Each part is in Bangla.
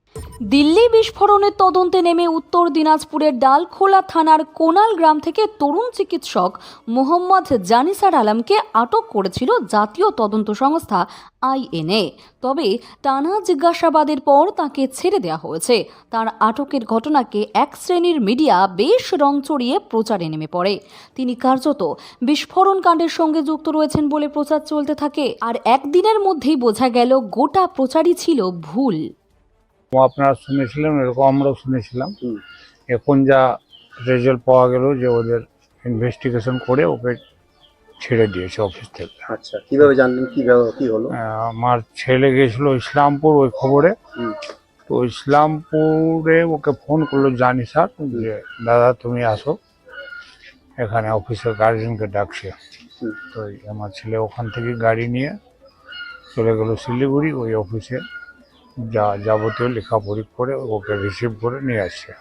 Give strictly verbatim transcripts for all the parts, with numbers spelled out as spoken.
দিল্লি বিস্ফোরণের তদন্তে নেমে উত্তর দিনাজপুরের ডালখোলা থানার কোনাল গ্রাম থেকে তরুণ চিকিৎসক মোহাম্মদ জানিসার আলমকে আটক করেছিল জাতীয় তদন্ত সংস্থা আইএনএ। তবে টানা জিজ্ঞাসাবাদের পর তাকে ছেড়ে দেওয়া হয়েছে। তার আটকের ঘটনাকে এক শ্রেণীর মিডিয়া বেশ রং চড়িয়ে প্রচারে নেমে পড়ে। তিনি কার্যত বিস্ফোরণ কাণ্ডের সঙ্গে যুক্ত রয়েছেন বলে প্রচার চলতে থাকে। আর একদিনের মধ্যেই বোঝা গেল গোটা প্রচারই ছিল ভুল। আপনারা শুনেছিলেন, এরকম আমরাও শুনেছিলাম। এখন যা রেজাল্ট পাওয়া গেল যে ওদের ইনভেস্টিগেশন করে ওকে ছেড়ে দিয়েছে অফিস থেকে। আচ্ছা, কিভাবে জানলেন, কিভাবে কি হলো? আহ, আমার ছেলে গেছিল ইসলামপুর ওই খবরে। তো ইসলামপুরে ওকে ফোন করলো জানি স্যার যে দাদা তুমি আসো, এখানে অফিসের গার্জেনকে ডাকছে। তো আমার ছেলে ওখান থেকে গাড়ি নিয়ে চলে গেল শিলিগুড়ি, ওই অফিসে যা যাবতীয় লেখাপড়ি করে ওকে রিসিভ করে নিয়ে আসছে।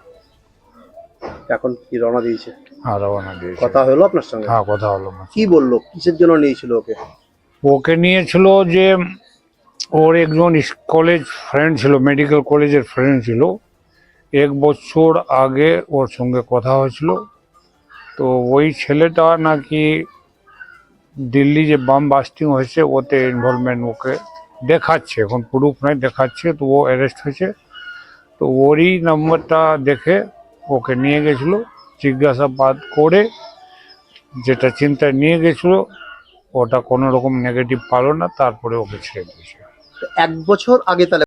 এখন কি রওনা দিয়েছে? হ্যাঁ, রওনা দিয়েছে। কথা হলো আপনার সঙ্গে? হ্যাঁ, কথা হলো। কি বললো, কিসের জন্য নিয়েছিল ওকে? ওকে নিয়েছিল যে ওর একজন কলেজ ফ্রেন্ড ছিল, মেডিকেল কলেজের ফ্রেন্ড ছিল। এক বছর আগে ওর সঙ্গে কথা হয়েছিল। তো ওই ছেলেটা নাকি দিল্লি যে বাম বাস্টিং হয়েছে ওতে ইনভলভমেন্ট ওকে দেখাচ্ছে, এখন প্রুফ নাই দেখাচ্ছে। তো ও অ্যারেস্ট হয়েছে। তো ওরই নাম্বারটা দেখে ওকে নিয়ে গেছিলো, জিজ্ঞাসাবাদ করে যেটা চিন্তায় নিয়ে গেছিলো ওটা কোনো রকম নেগেটিভ পালো না, তারপরে ওকে ছেড়ে দিয়েছে। এক বছর আগে তাহলে